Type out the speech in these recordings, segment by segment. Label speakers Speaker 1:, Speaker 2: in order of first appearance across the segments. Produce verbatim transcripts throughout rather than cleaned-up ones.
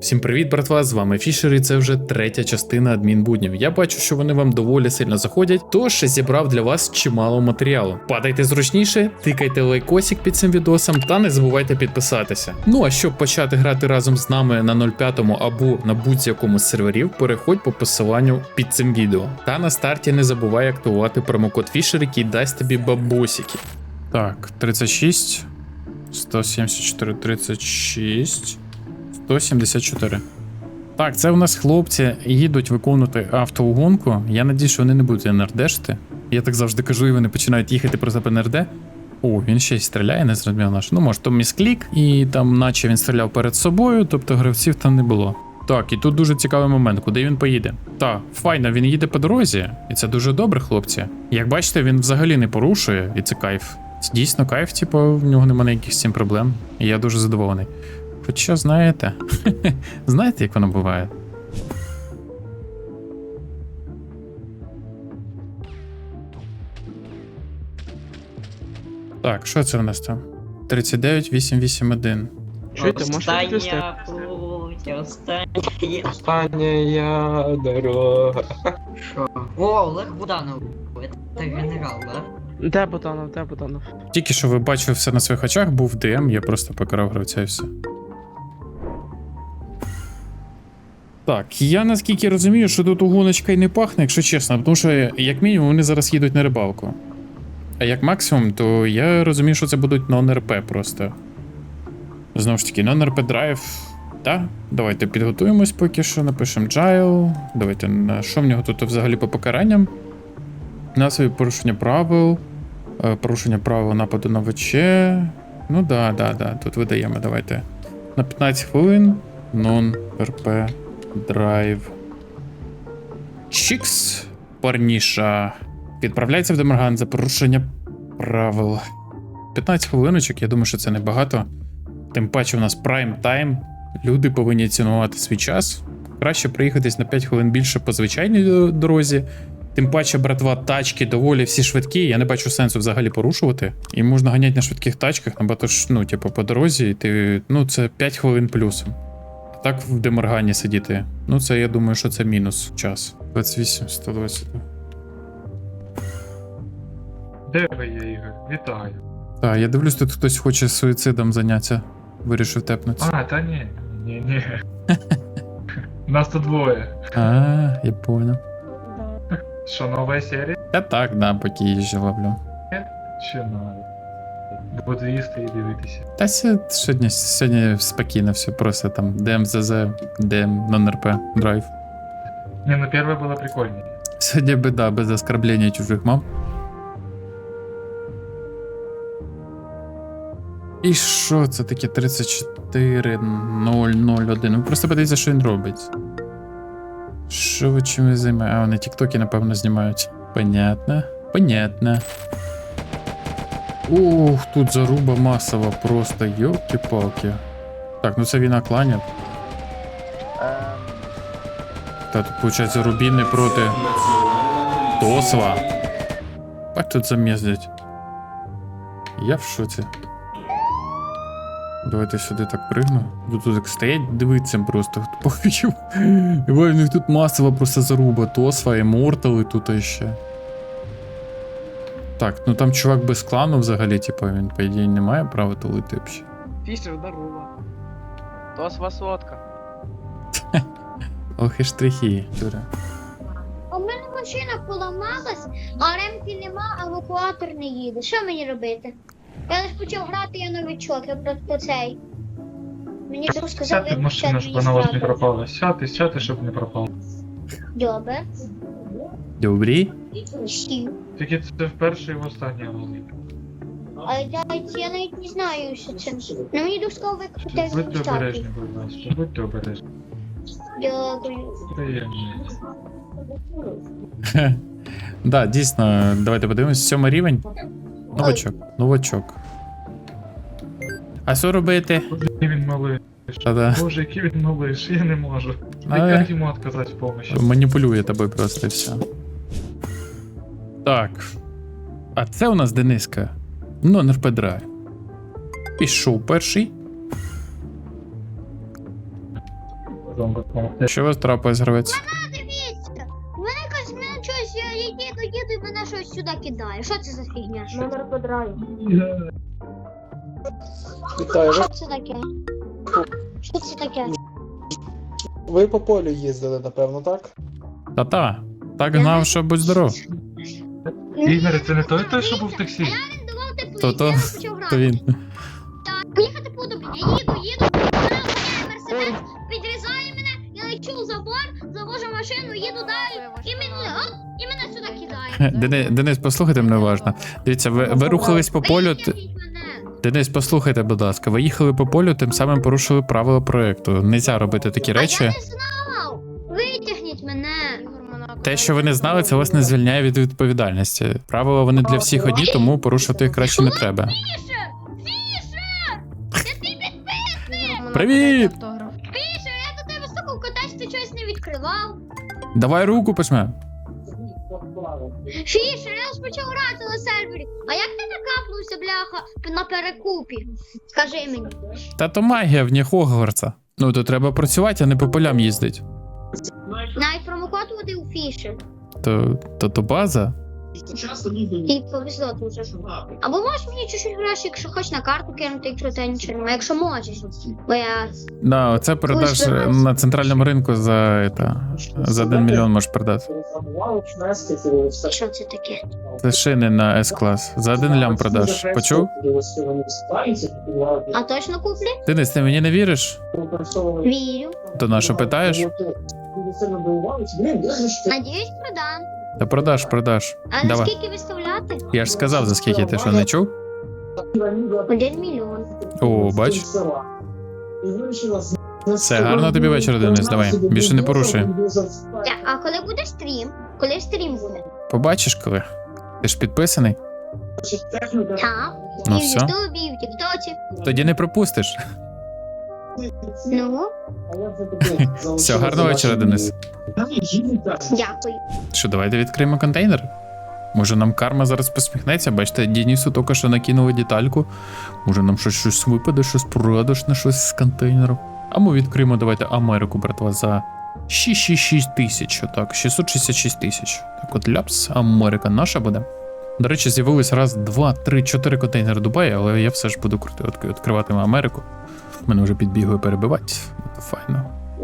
Speaker 1: Всім привіт, братва, з вами Фішер, і це вже третя частина адмінбуднів. Я бачу, що вони вам доволі сильно заходять, тож зібрав для вас чимало матеріалу. Падайте зручніше, тикайте лайкосик під цим відосом та не забувайте підписатися. Ну а щоб почати грати разом з нами на нуль п'ять або на будь-якому з серверів, переходь по посиланню під цим відео. Та на старті не забувай активувати промокод Фішер, який дасть тобі бабосики. Так, тридцять шість, сто сімдесят чотири, тридцять шість... сто сімдесят чотири. Так, це у нас хлопці їдуть виконувати автоугонку. Я надію, що вони не будуть ен ер дешити. Я так завжди кажу, і вони починають їхати просто по ен ер де. О, він ще й стріляє, не зрозумів наш. Ну, може, то місклік, і там наче він стріляв перед собою, тобто гравців там не було. Так, і тут дуже цікавий момент, куди він поїде. Так, файно, він їде по дорозі, і це дуже добре, хлопці. Як бачите, він взагалі не порушує, і це кайф. Це дійсно кайф, типу, в нього немає ніяких з цим проблем. І я дуже задоволений. Хоча, знаєте, знаєте, як воно буває? Так, що це в нас там? тридцять дев'ять вісімсот вісімдесят один.
Speaker 2: Чуєте, можете відвести?
Speaker 3: Остання путь, остання...
Speaker 2: Остання дорога.
Speaker 3: Що? О, Олег Буданов. Це генерал, да?
Speaker 2: Де Бутанов, де Бутанов?
Speaker 1: Тільки що ви бачили все на своїх очах, був ді ем, я просто покарав гравця і все. Так, я наскільки розумію, що тут угоночка й не пахне, якщо чесно, тому що, як мінімум, вони зараз їдуть на рибалку. А як максимум, то я розумію, що це будуть нон-ар пі просто. Знову ж таки, нон-ар пі драйв. Так, давайте підготуємось поки що, напишемо джайл. Давайте, на що в нього тут взагалі по покаранням? Насові порушення правил, порушення правил нападу на ВЧ. Ну да, да, да, тут видаємо, давайте. На п'ятнадцять хвилин нон-ар пі драйв. Чікс, парніша. Відправляється в Демарган за порушення правил. п'ятнадцять хвилиночок, я думаю, що це небагато. Тим паче у нас прайм тайм. Люди повинні цінувати свій час. Краще приїхатись на п'ять хвилин більше по звичайній дорозі. Тим паче, братва, тачки доволі всі швидкі, я не бачу сенсу взагалі порушувати. І можна ганяти на швидких тачках, набагато ж, ну, типу, по дорозі, і ти, ну, це п'ять хвилин плюсом. А так в Демаргані сидіти, ну, це, я думаю, що це мінус час. двадцять вісім, сто двадцять.
Speaker 4: Де ви є, Ігор? Вітаю.
Speaker 1: Так, я дивлюсь, тут хтось хоче суїцидом зайнятися. Вирішив тепнутися.
Speaker 4: А, та ні, ні, ні. Нас тут двоє.
Speaker 1: А, я понял.
Speaker 4: Що, нова серія?
Speaker 1: Я так, да, поки їжджу ловлю.
Speaker 4: Чи надо? Буду їсти і дивитися.
Speaker 1: Та ся- сьогодні, сьогодні спокійно все, просто там ді ем зет зет, ді ем нон-ар пі драйв.
Speaker 4: Не, ну перше було прикольніше.
Speaker 1: Сьогодні біда, без оскорблення чужих мам. І що це таке тридцять чотири нуль нуль один? Ви просто подивіться, що він робить. Що ви чим ви займаєте? А, вони тіктоки, напевно, знімають. Понятно. Понятно. Ух, тут заруба масова, просто йолки-палки. Так, ну це війна кланів. Та тут, виходить, Рубіни проти Тосла. Як тут зам'єздять? Я в шоці. Давайте сюди так пригну. Тут так стоять, дивиться просто. Похочу. І в них тут масова просто заруба. Тосла, Іммортали тут іще. Так, ну там чувак без клану взагалі, типу, він, по ідеї, не має права тулити взагалі.
Speaker 2: Фішер, здорово. То з вас лодка.
Speaker 1: Ох і штрихи, дура.
Speaker 5: У мене машина поламалась, а ремки нема, а евакуатор не їде. Що мені робити? Я лише почав грати, я новичок, я просто цей. Мені друг сказав,
Speaker 4: Сядьте в машину, щоб вона у вас не пропала. Сядьте, сядьте, щоб не пропала.
Speaker 5: Добре.
Speaker 1: Добрі?
Speaker 5: Сів.
Speaker 4: Тільки це вперше і в останнє голові.
Speaker 5: А я, я навіть не знаю, що це. Ну мені друг сказав, викрути
Speaker 4: Будьте обережні,
Speaker 5: евакуатор.
Speaker 4: будь ласка, будьте обережні.
Speaker 5: Дякую.
Speaker 4: Приємно.
Speaker 1: Да, дійсно, давайте подивимось. Сьомий рівень. Новачок, новачок. А що робити?
Speaker 4: Який він малий.
Speaker 1: Та-да.
Speaker 4: Боже, який він малиш, я не можу.
Speaker 1: А,
Speaker 4: Як йому відказати в помощі?
Speaker 1: маніпулює тобою просто і все. Так. А це у нас Дениска. Ну, не впадрає. Пішов перший.
Speaker 4: Вам допомогти.
Speaker 1: Що у вас трапилось, гравець?
Speaker 5: Дивіться, у мене якось мене щось, я їду, їду, і мене щось сюди кидає. Що це за фігня? Номер по драйву.
Speaker 6: Вітаю, ви,
Speaker 5: Що це таке? Що це таке?
Speaker 6: ви по полю їздили, напевно, так?
Speaker 1: Та-та. Так гнав, що будь здоров.
Speaker 4: Ігор, це не той той, що був в таксі?
Speaker 5: Він давав теплиці,
Speaker 1: То-то,
Speaker 5: я почав грати.
Speaker 1: То він.
Speaker 5: Так, поїхати буду, блін, я їду, їду, мене зупиняє мерседес, підрізає мене, я лечу в забор, завожу машину, їду далі, і мене, оп, і мене сюди кидає.
Speaker 1: Денис, Денис, послухайте мене уважно. Дивіться, ви, ви рухались по полю. т-
Speaker 5: Витягніть мене.
Speaker 1: Денис, послухайте, будь ласка, ви їхали по полю, тим самим порушили правила проекту. Нельзя робити такі
Speaker 5: А я
Speaker 1: речі.
Speaker 5: не знав, витягніть мене.
Speaker 1: Те, що ви не знали, це вас не звільняє від відповідальності. Правила вони для всіх одні, тому порушувати їх краще не треба.
Speaker 5: Фішер, Фішер, я тобі підписник.
Speaker 1: Привіт!
Speaker 5: Фішер, я до тебе стукав, катаюсь, ти щось не відкривав.
Speaker 1: Давай руку письме.
Speaker 5: Фішер, я ж почав грати на сервері. А як ти накапнувся, бляха, на перекупі? Скажи мені.
Speaker 1: Та то магія в Хогвартса. Ну то треба працювати, а не по полям їздить.
Speaker 5: Навіть промокод вводив у Фішер.
Speaker 1: То, то, то база.
Speaker 5: І повезло дуже. Або можеш мені чуть-чуть гроші, якщо хочеш на карту кинути, якщо ти нічого немає. Якщо можеш. Бо я...
Speaker 1: Да, це продаж
Speaker 5: Слушай,
Speaker 1: на центральному ринку за, это, за один мільйон можеш продати.
Speaker 5: Що це таке?
Speaker 1: Це шини на С-клас. За один лям продаж. Почув?
Speaker 5: А точно куплі?
Speaker 1: Денис, ти мені не віриш?
Speaker 5: Вірю.
Speaker 1: То на що питаєш?
Speaker 5: Надіюсь, продам.
Speaker 1: Та продаж, продаж.
Speaker 5: А за
Speaker 1: Давай.
Speaker 5: скільки виставляти?
Speaker 1: Я ж сказав, за скільки ти що не чув?
Speaker 5: Один мільйон.
Speaker 1: О, бач. Все, гарного тобі вечора, Денис, давай. Більше не порушуй.
Speaker 5: Так, а коли буде стрім? Коли стрім буде?
Speaker 1: Побачиш коли? Ти ж підписаний?
Speaker 5: Так.
Speaker 1: Ну
Speaker 5: і в
Speaker 1: все.
Speaker 5: Ютубі, і в Тіктоці.
Speaker 1: Тоді не пропустиш.
Speaker 5: Ну,
Speaker 1: Все, гарного вечора, Денис.
Speaker 5: дякую.
Speaker 1: Що, давайте відкриємо контейнер? Може нам карма зараз посміхнеться? Бачите, Денису тільки що накинули детальку. Може нам щось, щось випаде, щось продаж щось з контейнеру. А ми відкриємо, давайте, Америку, братва, за шість шість шість тисяч. Отак, шістсот шістдесят шість тисяч. Так от ляпс, Америка наша буде. До речі, з'явилось раз, два, три, чотири контейнери Дубаю, але я все ж буду крути, відк- відкривати Америку. Мене вже підбігли перебивати. Це файно.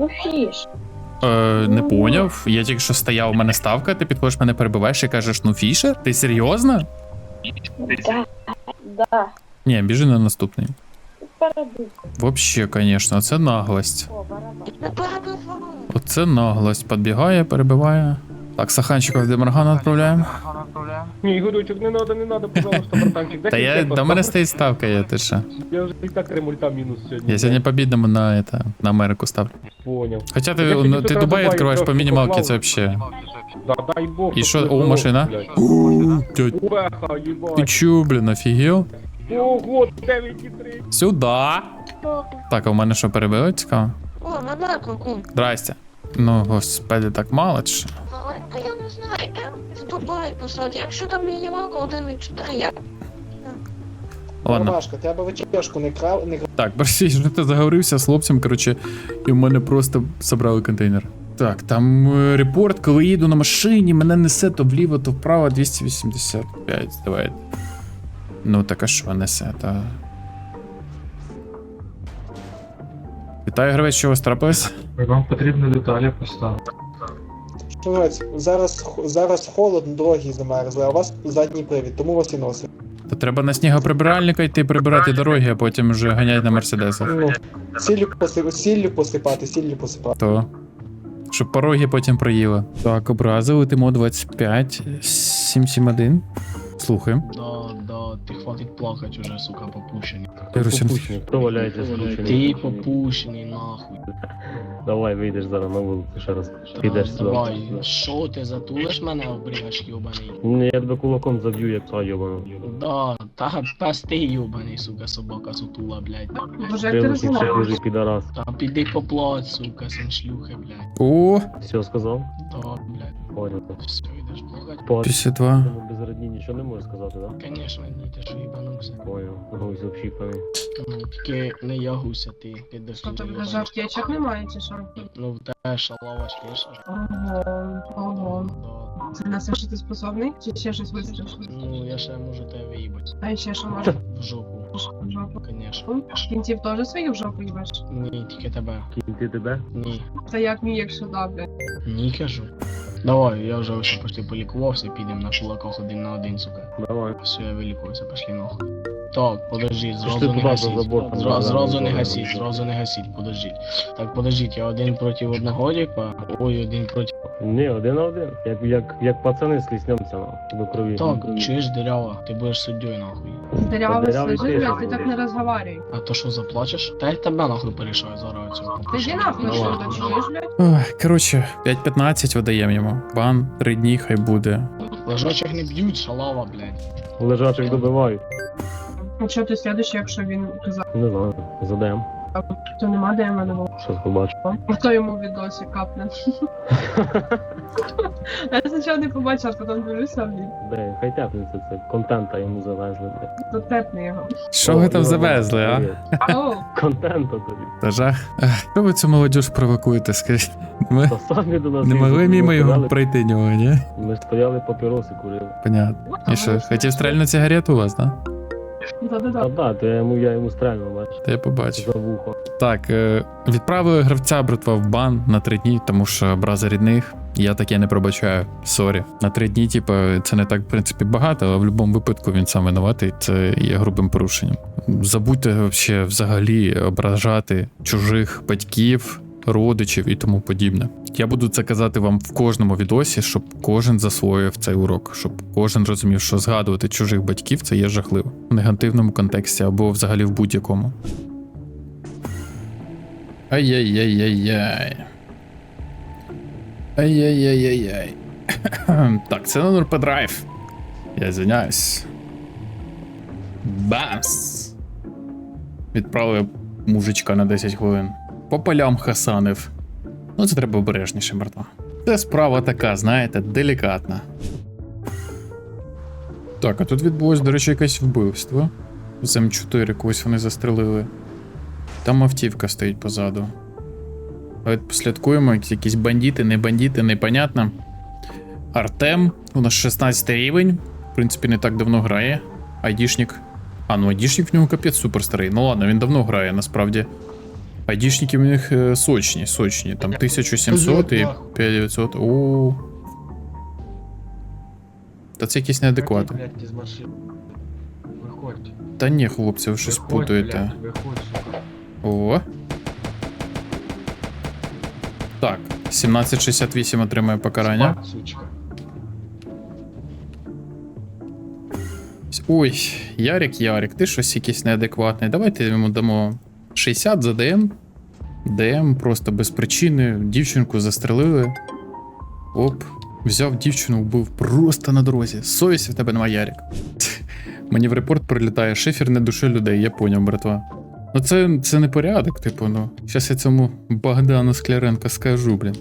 Speaker 1: Е, не поняв. Я тільки що стояв, у мене ставка, ти підходиш мене перебиваєш і кажеш, ну Фішер? Ти серйозно?
Speaker 7: Да, да.
Speaker 1: Ні, біжи на наступний.
Speaker 7: Перебив.
Speaker 1: Вообще, конечно, це наглость.
Speaker 7: О, барабан. Не перебив.
Speaker 1: Оце наглость. Підбігає, перебиває. Так, Саханчиков в Демарган відправляємо.
Speaker 8: Ні, Ігорючик, не надо, не надо, пожалуйста, братанчик.
Speaker 1: Та я, до мене стоїть ставка, я ти що.
Speaker 8: Я вже і так три мульта мінус сьогодні.
Speaker 1: Я сьогодні побідному на, это, на Америку ставлю.
Speaker 8: Поняв.
Speaker 1: Хоча ти,
Speaker 8: Я
Speaker 1: ну,
Speaker 8: тобі
Speaker 1: ти
Speaker 8: тут
Speaker 1: Дубай
Speaker 8: Дубай
Speaker 1: відкриваєш по
Speaker 8: трошки
Speaker 1: мінімалці, це
Speaker 8: поклав.
Speaker 1: вообще.
Speaker 8: Да, дай Бог.
Speaker 1: І
Speaker 8: щоб
Speaker 1: що,
Speaker 8: ти
Speaker 1: о, машина?
Speaker 8: блядь.
Speaker 1: Ууу, тьоть,
Speaker 8: Уеха,
Speaker 1: ти
Speaker 8: їбать.
Speaker 1: чу, блін, офігел?
Speaker 8: Ого, дев'ять і три.
Speaker 1: Сюда. Так, а у мене що, перебили, цікаво?
Speaker 7: О, мене куку.
Speaker 1: Здрасте. Ну, господи, так мало чи що?
Speaker 7: А я не знаю, я в Дубай посадив. Якщо там мінімалка один і чотири, я...
Speaker 1: Ладно.
Speaker 6: Ромашка, треба вечірку не крав, не
Speaker 1: Так, Борисій, що ти заговорився з хлопцем, коротше, і в мене просто забрали контейнер. Так, там е, репорт, коли їду на машині, мене несе то вліво, то вправо двісті вісімдесят п'ять. Давай. Ну так а що несе, та. Вітаю, гравець, що у вас трапилось?
Speaker 4: Вам потрібно деталі поставити.
Speaker 6: Шановець, зараз, х- зараз холодно, дороги замерзли, а у вас задній привід, тому вас і носить.
Speaker 1: То треба на снігоприбиральника йти прибирати дороги, а потім вже ганять на мерседесах.
Speaker 6: Ну, сіллю, поси... сіллю посипати, сіллю посипати.
Speaker 1: То. Щоб пороги потім проїли. Так, образи, летимо двадцять п'ять, сім сім один. Слухаємо.
Speaker 9: Да, да, ти хватить плакать уже, сука, попущений.
Speaker 1: Русин.
Speaker 10: Хто валяється скручений?
Speaker 9: Ти попущений, нахуй.
Speaker 10: Давай вийдеш зараз на вулицю ще раз.
Speaker 9: Да,
Speaker 10: Підеш сюди.
Speaker 9: давай, що ти затулиш мене, обрігач йобаний?
Speaker 10: Ні, я тебе кулаком заб'ю, як пса йобану.
Speaker 9: Да, та пес ти йобаний, сука, собака сутула, блядь.
Speaker 10: Прилучник ще хуже підарас.
Speaker 9: Та піди поплать, сука, син шлюхи, блядь.
Speaker 1: О,
Speaker 10: Все сказав?
Speaker 9: Да, блядь,
Speaker 10: Понял.
Speaker 9: все, йдеш плакать.
Speaker 10: По
Speaker 1: п'ятдесят два.
Speaker 10: цьому без родні нічого не можеш сказати, да?
Speaker 9: Конечно, ні, ти що їбанувся.
Speaker 10: Понял. Гусь общіпаний.
Speaker 9: Ну, тільки не я гуся, ти, ти до
Speaker 7: Що
Speaker 9: сюди
Speaker 7: тобі
Speaker 9: їбанувся.
Speaker 7: даже аптечок немає, чи що?
Speaker 9: Ну, в те шалаваш є ж.
Speaker 7: Ого, ого.
Speaker 9: Да.
Speaker 7: Це на все, що ти способний? Чи ще щось вистрілиш?
Speaker 9: Ну, я ще можу тебе виїбати.
Speaker 7: А ще що може?
Speaker 9: В жопу,
Speaker 7: В жопу.
Speaker 9: конечно.
Speaker 7: Кінців теж свої в жопу їбаш?
Speaker 9: Ні, тільки тебе.
Speaker 10: Кінти тебе?
Speaker 9: Ні.
Speaker 7: Та як мій, якщо да, блядь.
Speaker 9: Ні, кажу. Давай, я вже ось почти полікувався, підемо на кулаках один на один, сука.
Speaker 10: Давай.
Speaker 9: Все, я вилікувався, пошли нахуй. Так, подождіть,
Speaker 10: Що ж
Speaker 9: зразу
Speaker 10: ти
Speaker 9: не
Speaker 10: туди за
Speaker 9: гасіть.
Speaker 10: забор там
Speaker 9: Зра-
Speaker 10: не
Speaker 9: Зразу не
Speaker 10: знаю,
Speaker 9: гасіть,
Speaker 10: не
Speaker 9: зразу не гасіть, подождіть. Так, подождіть, я один проти одногодіка, ой, один проти...
Speaker 10: Ні, один на один. Як, як, як пацани сліснемося на, до крові.
Speaker 9: Так, чуєш, дырява, ти будеш суддєю, нахуй.
Speaker 7: Дырявый
Speaker 10: Дырявый
Speaker 7: служи,
Speaker 10: ты.
Speaker 7: блядь, ти так не розговарюй.
Speaker 9: А то що, заплачеш? Та я тебе нахуй порішаю зараз цього.
Speaker 7: Ти йди нахуй,
Speaker 10: Давай.
Speaker 7: що ти чуєш, блядь?
Speaker 1: Ой, коротше, п'ять п'ятнадцять видаємо йому. Бан, три дні хай буде.
Speaker 9: Лежачих не б'ють, шалава, блядь.
Speaker 10: Лежачих добивають.
Speaker 7: А що ти слідуючий, якщо він казав,
Speaker 10: Не знаю, задаємо.
Speaker 7: то нема де мене було?
Speaker 10: Щось побачу.
Speaker 7: Хто йому відосі капне? Я спочатку не побачив, а потім дивлюся, блін.
Speaker 10: Де, хай тяпнеться це. Контента йому завезли, блядь.
Speaker 7: То тепне його.
Speaker 1: Що ви там завезли, а?
Speaker 10: Привіт.
Speaker 7: Оу,
Speaker 10: Контента тобі.
Speaker 1: Та жах. Ех, Що ви цю молодіж провокуєте, скажіть? Ми
Speaker 10: Та самі до нас
Speaker 1: не могли
Speaker 10: їздили,
Speaker 1: мимо
Speaker 10: ми
Speaker 1: його
Speaker 10: стояли-
Speaker 1: пройти нього, ні?
Speaker 10: Ми стояли, папіроси курили.
Speaker 1: Понятно.
Speaker 7: а
Speaker 1: І що,
Speaker 7: вони
Speaker 1: хотів стрельну цигарету у вас, да?
Speaker 10: А
Speaker 7: Да-да-да.
Speaker 10: да, то я йому, я йому стрельну, бачиш.
Speaker 1: Та я побачив.
Speaker 10: За вухо.
Speaker 1: Так, е, відправили гравця братва в бан на три дні, тому що образа рідних. Я таке не пробачаю. Сорі. На три дні, типу, це не так, в принципі, багато, але в будь-якому випадку він сам винуватий. Це є грубим порушенням. Забудьте вообще взагалі ображати чужих батьків, родичів і тому подібне. Я буду це казати вам в кожному відосі, щоб кожен засвоїв цей урок, щоб кожен розумів, що згадувати чужих батьків це є жахливо. В негативному контексті або взагалі в будь-якому. Ай-яй-яй-яй-яй. Ай-яй-яй-яй-яй. Так, це на НРП драйв. Я звиняюсь. Бамс! Відправив мужичка на десять хвилин. По полям хасанив. Ну, це треба обережніше, братва. Це справа така, знаєте, делікатна. Так, а тут відбулось, до речі, якесь вбивство. З М чотири когось вони застрелили. Там автівка стоїть позаду. Давайте послідкуємо, якісь бандити, не бандити, непонятно. Артем, у нас шістнадцятий рівень. В принципі, не так давно грає. Айдішник. А, ну айдішник в нього капець супер старий. Ну ладно, він давно грає, насправді. Айдішники в них е, сочні, сочні. Там тисяча сімсот і п'ять тисяч дев'ятсот. Ооо. Та це якісь неадеквати.
Speaker 8: Блядь, із машини. Виходь.
Speaker 1: Та ні, хлопці, ви щось
Speaker 8: Виходь,
Speaker 1: путаєте.
Speaker 8: блядь, виходь, сука.
Speaker 1: О. Так, сімнадцять шістдесят вісім отримує покарання.
Speaker 8: Спать, сучка.
Speaker 1: Ой, Ярик, Ярик, ти щось якийсь неадекватний. Давайте йому дамо шістдесят за ДМ. ДМ просто без причини. Дівчинку застрелили. Оп. Взяв дівчину, вбив просто на дорозі. Совісті в тебе немає, Ярик. Мені в репорт прилітає шифер не душі людей, я поняв, братва. Ну це, це не порядок, типу, ну. Щас я цьому Богдану Скляренко скажу, блін.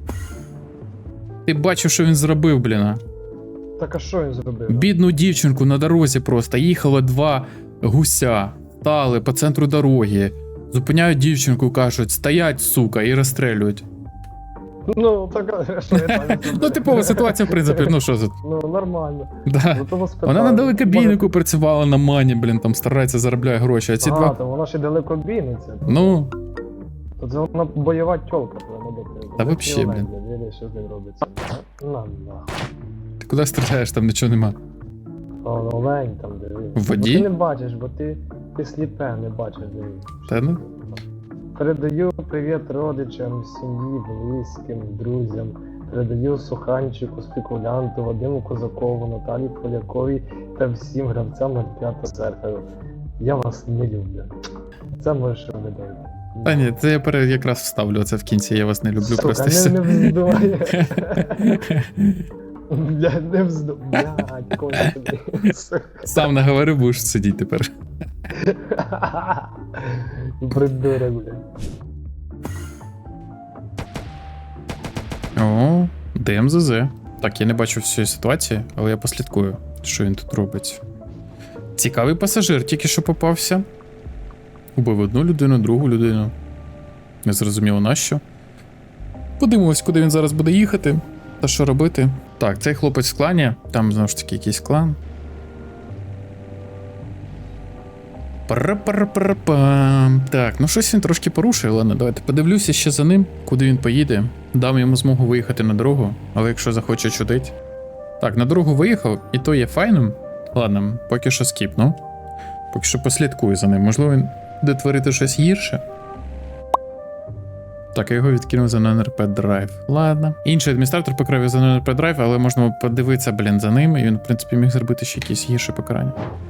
Speaker 1: Ти бачив, що він зробив, блін, а?
Speaker 8: Так а що він зробив?
Speaker 1: Бідну дівчинку на дорозі просто. Їхало два гуся, стали по центру дороги. Зупиняють дівчинку, кажуть, стоять, сука, і розстрелюють.
Speaker 8: Ну, так а що я там?
Speaker 1: Ну, типова ситуація, в принципі, ну що за.
Speaker 8: Ну, нормально.
Speaker 1: Да.
Speaker 8: Ну, того спитав.
Speaker 1: Вона на далекобійнику працювала на мані, блін, там старається, заробляє гроші, а ці
Speaker 8: А,
Speaker 1: два.
Speaker 8: то вона ще далекобійниця.
Speaker 1: Ну,
Speaker 8: То це вона бойова тьолка, прямо до
Speaker 1: Та вообще, блін.
Speaker 8: Диві, що з ним робиться. На, на.
Speaker 1: ти куди стріляєш, там нічого нема.
Speaker 8: О, олень там, диви.
Speaker 1: В воді?
Speaker 8: Бо ти не бачиш, бо ти, ти сліпе, не бачиш, диви.
Speaker 1: Та ну.
Speaker 8: Передаю привіт родичам, сім'ї, близьким, друзям. Передаю Суханчику, спекулянту, Вадиму Козакову, Наталі Поляковій та всім гравцям ноль п'ять серферу. Я вас не люблю. Це можеш робити.
Speaker 1: Та ні, це я пере- якраз вставлю це в кінці, я вас не люблю,
Speaker 8: Сука,
Speaker 1: просто
Speaker 8: не,
Speaker 1: все.
Speaker 8: не вздумай. Бля, не вздумай. Блядь, кончений.
Speaker 1: Сам наговорив, будеш сидіти тепер.
Speaker 8: Придурок, блядь.
Speaker 1: О, ДМЗЗ. Так, я не бачу всієї ситуації, але я послідкую, що він тут робить. Цікавий пасажир тільки що попався. Убив одну людину, другу людину. Не зрозуміло нащо. Подивимось, куди він зараз буде їхати та що робити. Так, цей хлопець в клані, там знову ж таки якийсь клан. Пара-пара-пара-пам. Так, ну щось він трошки порушує, ладно, давайте подивлюся ще за ним, куди він поїде. Дам йому змогу виїхати на дорогу, але якщо захоче чудить. Так, на дорогу виїхав, і то є файним. Ладно, поки що скіпну. Поки що послідкую за ним. Можливо, він буде творити щось гірше. Так, я його відкинув за ен ер пі драйв. Ладно. Інший адміністратор покрив його за ен ер пі драйв, але можна подивитися, блін, за ним, і він, в принципі, міг зробити ще якесь гірше покарання.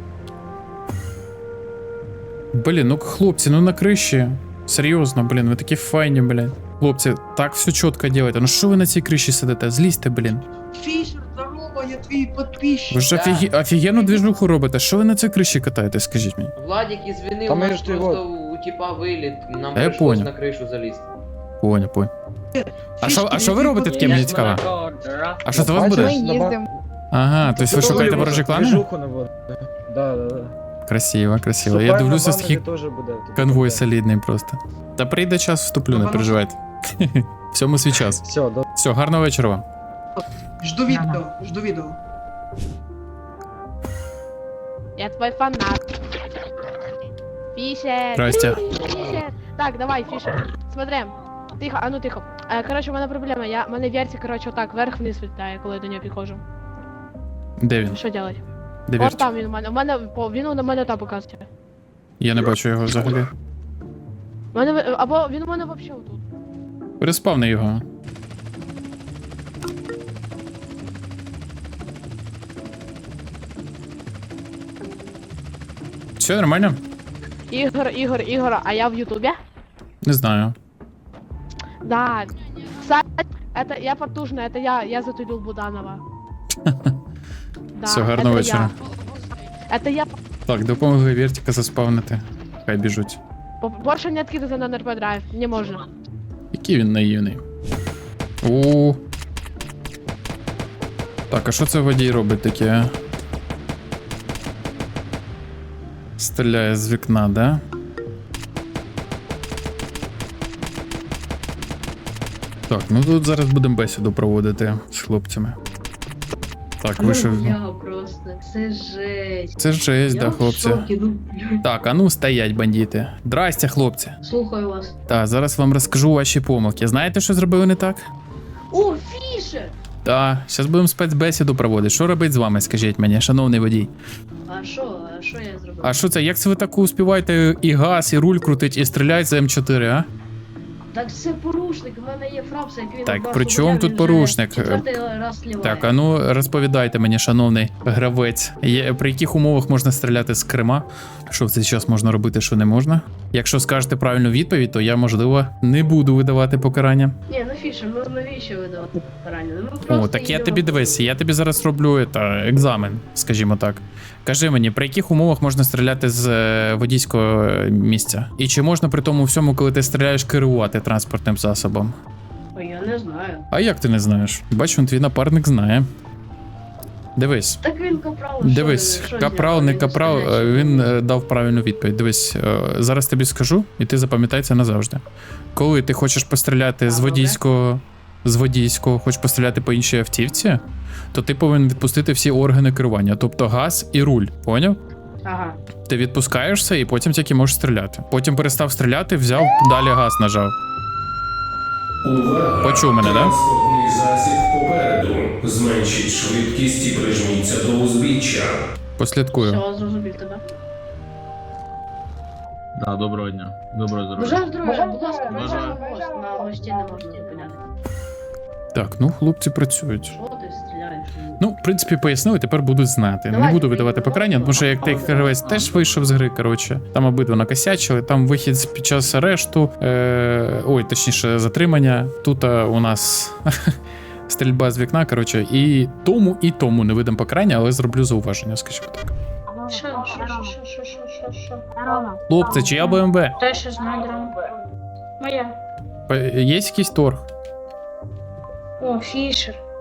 Speaker 1: Блін, ну хлопці, ну на криші. Серйозно, блін, ви такі файні, блін. Хлопці, так все чітко робите. Ну що ви на цій криші сидите? Злізьте, блін.
Speaker 2: Фішер, здорово, я твій підписчик.
Speaker 1: Ви ж офігі... офігенну двіжуху робите. Що ви на цій криші катаєтесь, скажіть мені?
Speaker 11: Владик извини,
Speaker 6: Там
Speaker 11: у нас
Speaker 6: я ж
Speaker 11: просто
Speaker 6: його-
Speaker 11: у типа вылет, нам
Speaker 1: Да я
Speaker 11: пришлось
Speaker 1: понял.
Speaker 11: на крышу залезть.
Speaker 1: Понял, понял. А що, а що ви робите таке, мені цікаво? А що це у вас буде? Ага, тобто ви шукаєте ворожі клани?
Speaker 8: Движуху наводити. Да, да, да.
Speaker 1: Красиво, красиво. Я
Speaker 8: Шукаємо
Speaker 1: дивлюся,
Speaker 8: банери
Speaker 1: скільки
Speaker 8: теж буде.
Speaker 1: конвой солідний просто. Та прийде час, вступлю, не переживайте. Всьому свій час.
Speaker 8: Все, до
Speaker 1: Все, гарного вечора вам.
Speaker 2: Жду відео, жду відео.
Speaker 7: Я твой фанат. Фишер.
Speaker 1: Здрасте.
Speaker 7: Фишер. Так, давай, Фишер. Смотри. Тихо, а ну тихо. Е, коротше, у мене проблема. Я, мене вертик, коротше, отак, вверх-вниз літає, коли я до нього підходжу.
Speaker 1: Де він?
Speaker 7: Що делать?
Speaker 1: Де
Speaker 7: От
Speaker 1: вірт?
Speaker 7: там він у мене. У мене, по- він у мене там показує.
Speaker 1: Я не бачу його взагалі.
Speaker 7: У мене, ви- або він у мене взагалі тут.
Speaker 1: Переспавни його. Все нормально?
Speaker 7: Ігор, Ігор, Ігор, а я в Ютубі?
Speaker 1: Не знаю.
Speaker 7: Да. Кстати, это я потужная, это я, я затулил Буданова. Да,
Speaker 1: Все, гарного
Speaker 7: это
Speaker 1: вечора.
Speaker 7: я. Это я.
Speaker 1: Так, допомогли вертика заспавнити. Хай біжуть.
Speaker 7: По- Больше не откидывай на ен ер пі драйв, не можно.
Speaker 1: Який він наївний. У. Так, а що це водій робить таке? Стріляє з вікна, да? Так, ну тут зараз будемо бесіду проводити з хлопцями. Так, вийшов.
Speaker 3: просто, це жесть.
Speaker 1: Це жесть, да, хлопці.
Speaker 3: ну,
Speaker 1: Так, а ну стоять, бандити. Здрасте, хлопці.
Speaker 3: Слухаю вас.
Speaker 1: Так, зараз вам розкажу ваші помилки. Знаєте, що зробили не так?
Speaker 3: О, Фішер!
Speaker 1: Так, зараз будемо спецбесіду проводити. Що робить з вами, скажіть мені, шановний водій?
Speaker 3: А що, а що я зробив?
Speaker 1: А що це, як це ви так успіваєте і газ, і руль крутить, і стріляти за ем чотири, а?
Speaker 3: Так це порушник, в мене є фрапс, як він
Speaker 1: Так,
Speaker 3: одразу
Speaker 1: при чому
Speaker 3: гуляв,
Speaker 1: тут
Speaker 3: він
Speaker 1: порушник?
Speaker 3: вже четвертий раз сліває.
Speaker 1: Так, а ну розповідайте мені, шановний гравець, є, при яких умовах можна стріляти з Крима? Що в цей час можна робити, що не можна? Якщо скажете правильну відповідь, то я, можливо, не буду видавати покарання.
Speaker 3: Ні, ну Фішер, ну навіщо видавати покарання? Ну, ми
Speaker 1: О,
Speaker 3: просто
Speaker 1: так я
Speaker 3: їдемо
Speaker 1: тобі
Speaker 3: по-
Speaker 1: дивись, я тобі зараз роблю это, екзамен, скажімо так. Кажи мені, при яких умовах можна стріляти з е, водійського місця? І чи можна при тому всьому, коли ти стріляєш, керувати транспортним засобом?
Speaker 3: Ой, я не знаю.
Speaker 1: А як ти не знаєш? Бачу, он твій напарник знає. Дивись.
Speaker 3: Так він капрал.
Speaker 1: Дивись,
Speaker 3: що, що
Speaker 1: капрал,
Speaker 3: зняв?
Speaker 1: не
Speaker 3: Він
Speaker 1: капрал,
Speaker 3: стріляє.
Speaker 1: е, він е, дав правильну відповідь. Дивись, е, зараз тобі скажу, і ти запам'ятай це назавжди. Коли ти хочеш постріляти з
Speaker 3: добре.
Speaker 1: водійського, з водійського, хочеш постріляти по іншій автівці, то ти повинен відпустити всі органи керування, тобто газ і руль, поняв?
Speaker 3: Ага.
Speaker 1: Ти відпускаєшся і потім тільки можеш стріляти. Потім перестав стріляти, взяв, далі газ нажав.
Speaker 12: Увага!
Speaker 1: Почув мене, да?
Speaker 12: Транспортний засіб попереду. Зменшіть швидкість і прижміться до узбіччя.
Speaker 1: Послідкую.
Speaker 3: Все, зрозумів тебе.
Speaker 4: Да, доброго дня. Доброго здоров'я.
Speaker 3: Бажаю здоров'я, будь ласка,
Speaker 4: Бажаю.
Speaker 3: бажаю мост. На мості не можна зупиняти.
Speaker 1: Так, ну хлопці працюють.
Speaker 3: Що ти стріляєш?
Speaker 1: Ну, в принципі, пояснили, тепер будуть знати. Не
Speaker 3: Давайте
Speaker 1: буду видавати
Speaker 3: приймемо.
Speaker 1: покарання, тому що як той гравець теж вийшов з гри, коротше, там обидва накосячили, там вихід під час арешту, е- ой, точніше, затримання. Тут а, у нас стрільба з вікна, коротше, і тому, і тому не видам покарання, але зроблю зауваження, скажімо так.
Speaker 3: Що, що, що, що, що, що, що, що?
Speaker 1: Хлопці, чия БМВ?
Speaker 3: Те, що знаю, драма. Моя.
Speaker 1: Е, Є якийсь торг?
Speaker 3: О, Фішер.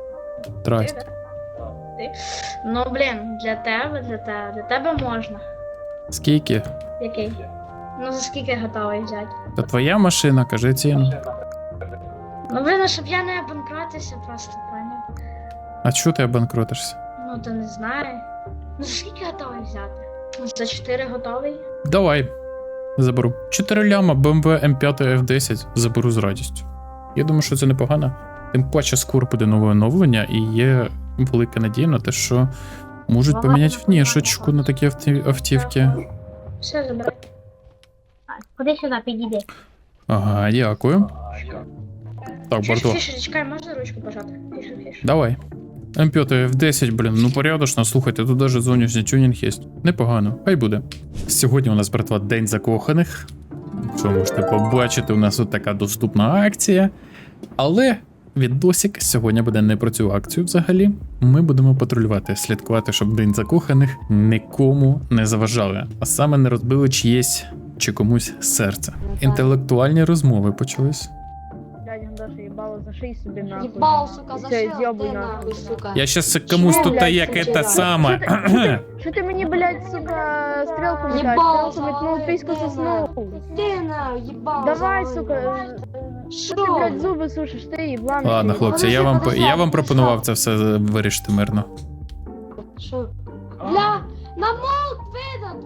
Speaker 1: Здрасте.
Speaker 5: Ну, блін, для тебе, для тебе, для тебе можна.
Speaker 1: Скільки?
Speaker 5: Який? Ну, за скільки готовий взяти?
Speaker 1: Та твоя машина, кажи ціну.
Speaker 5: Ну, блін, щоб я не обанкротився просто, поняв?
Speaker 1: А чого ти обанкротишся?
Speaker 5: Ну, то не знаю. Ну, за скільки готовий взяти? Ну, за чотири готовий?
Speaker 1: Давай. Заберу. чотири ляма, бе ем ве ем п'ять еф десять заберу з радістю. Я думаю, що це непогано. Тим паче скоро буде нове оновлення і є велика надія на те, що можуть поміняти внешечку на такі авті- автівки.
Speaker 5: Все, забирай. Куди сюди, підійди.
Speaker 1: Ага, дякую. Так,
Speaker 5: Фішер,
Speaker 1: Барто,
Speaker 5: Фішер, чекай, можна ручку пожати? Фішер, Фішер.
Speaker 1: давай. ем п'ять еф десять, блін, ну порядочно, слухайте, тут даже зовнішній тюнінг є. Непогано, хай буде. Сьогодні у нас, братва, День закоханих. Що можете побачити, у нас тут така доступна акція. Але відосик сьогодні буде не про цю акцію взагалі. Ми будемо патрулювати, слідкувати, щоб День закоханих нікому не заважали. А саме не розбили чиєсь чи комусь серце. Інтелектуальні розмови почались.
Speaker 7: Блядь, Андоша, їбало, заший собі нахуй.
Speaker 5: Їбал, сука, за
Speaker 7: Все,
Speaker 5: що?
Speaker 7: з'єбуй
Speaker 5: Ти
Speaker 7: нахуй.
Speaker 5: нахуй, сука.
Speaker 1: Я щас комусь
Speaker 7: Що,
Speaker 1: тут
Speaker 7: блядь,
Speaker 1: як
Speaker 5: це
Speaker 1: це
Speaker 5: за-
Speaker 1: саме.
Speaker 7: Що ти мені, блядь, сука, стрілку метаєш?
Speaker 5: Їбал,
Speaker 7: Стрілку метнув, письку соснув.
Speaker 5: Ти на, їбал.
Speaker 7: Давай, сука,
Speaker 5: Що?
Speaker 7: ти, блядь, зуби сушиш, ти їблан.
Speaker 1: Ладно, хлопці, я вам, я вам пропонував це все вирішити мирно.
Speaker 5: Що? Бля, на молк видаду.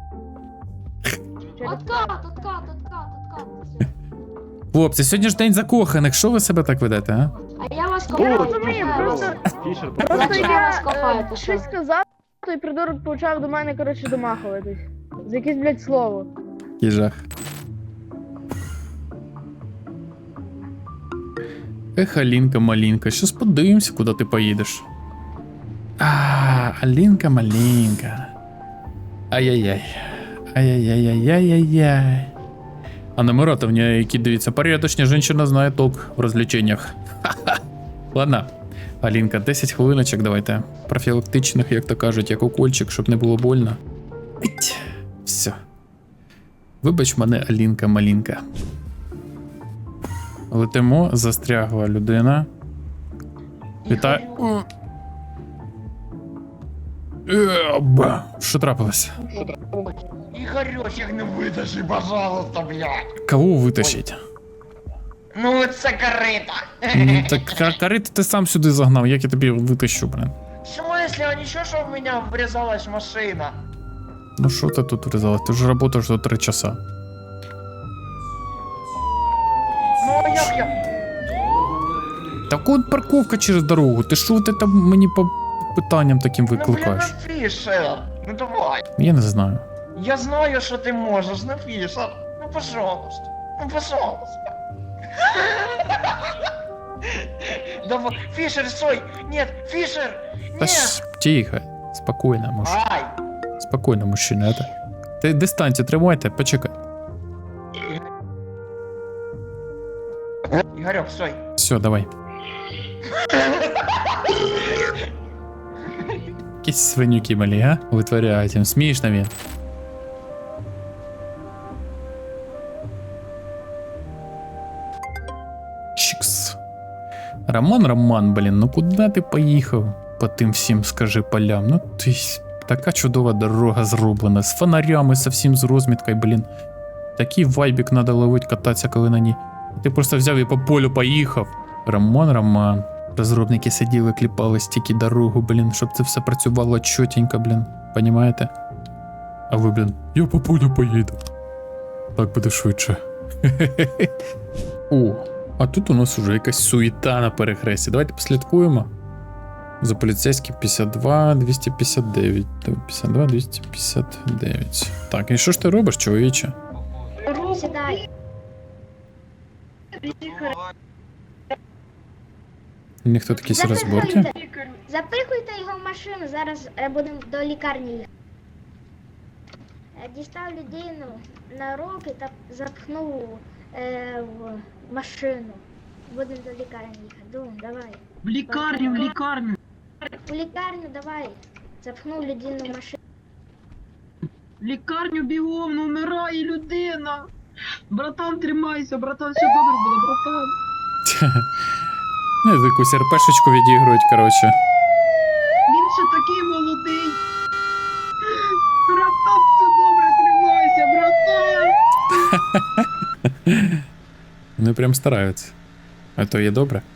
Speaker 5: Откат, откат, откат, откат.
Speaker 1: Хлопці, сьогодні ж День закоханих, що ви себе так ведете, а?
Speaker 5: А я вас
Speaker 7: Я
Speaker 5: копаю.
Speaker 7: розумію, просто,
Speaker 10: Фішер,
Speaker 7: просто
Speaker 5: Зачем
Speaker 7: я
Speaker 5: вас копаєте,
Speaker 7: е,
Speaker 5: що?
Speaker 7: щось сказав, той придурок почав до мене, коротше, домахуватись. За якесь, блядь, слово.
Speaker 1: Який жах. Ех, Алінка малінка, щас подивимося, куди ти поїдеш. А, Алінка малінка. Ай-яй-яй. Ай-яй-яй-яй-яй-яй. А номера-то в нее, які дивіться, порядочні, жінка знає толк в розвлеченнях. Ха-ха. Ладно. Алінка, десять хвилиночок давайте. Профілактичних, як то кажуть, як укольчик, щоб не було больно. Іть. Все. Вибач мене, Алінка малінка. Летимо, застрягла людина. Вітаю. Еба. Що трапилось?
Speaker 2: Ігорьочек, не витащи, пожалуйста, блядь.
Speaker 1: Кого витащить?
Speaker 2: Ну, це карита.
Speaker 1: Ну, так ка- кариту ти сам сюди загнав, як я тобі витащу, блин.
Speaker 2: В смысле, а ничего, что в меня врезалась машина?
Speaker 1: Ну що ти тут врізалась? Ти ж працюєш до три часа.
Speaker 2: Ну, а як я?
Speaker 1: Так от парковка через дорогу. Ти що ти там мені по питанням таким
Speaker 2: Ну, блин,
Speaker 1: викликаєш?
Speaker 2: ну, Фішер. Ну, давай.
Speaker 1: Я не знаю.
Speaker 2: Я знаю, что ты можешь, ну, Фишер. Ну, пожалуйста. Ну, пожалуйста. Давай, Фишер, стой! Нет, Фишер!
Speaker 1: Та
Speaker 2: Нет!
Speaker 1: ж, тихо, спокійно, муж.
Speaker 2: Ай!
Speaker 1: Спокійно, мужчина. Это... Ти дистанцію тримайте, почекай.
Speaker 2: Игорек, стой!
Speaker 1: Все, давай. Якісь свинюки малі, а? Витворяють їм. Смішно він. Чикс. Роман, Роман, блін, ну куди ти поїхав? По тим всім, скажи, полям. Ну ти ж- така чудова дорога зроблена. З фонарями, со всім з розміткою, блін. Такий вайбік надо ловить, кататися, коли на ній. Ти просто взяв і по полю поїхав. Роман, Роман. Розробники сиділи, кліпали стільки дорогу, блін, щоб це все працювало чотенько, блін. Понімаєте? А ви, блін, я по полю поїду. Так буде швидше. О, а тут у нас уже якась суєта на перехресті. Давайте послідкуємо. За поліцейським п'ятдесят два двісті п'ятдесят дев'ять. п'ятдесят два двісті п'ятдесят дев'ять. Так, і що ж ти робиш, чоловіче?
Speaker 5: Сідай.
Speaker 1: Ніхто такісь розборки.
Speaker 5: Запихуйте. Запихуйте його в машину, зараз е, будемо до лікарні їхати. Е, Дістав людину на руки та запхнув е, в машину. Будемо до лікарні їхати. Дум, давай.
Speaker 2: В лікарню, в лікарню!
Speaker 5: У лікарню давай. Запхнув людину в машину.
Speaker 2: В лікарню бігом, ну вмирає людина! Братан, тримайся, братан, все добре буде, братан!
Speaker 1: Ну, якусь РПшечку відігрують, коротше.
Speaker 9: Він ще такий молодий. Братан, все добре, тримайся, братан.
Speaker 1: Вони прям стараються. А то є добре.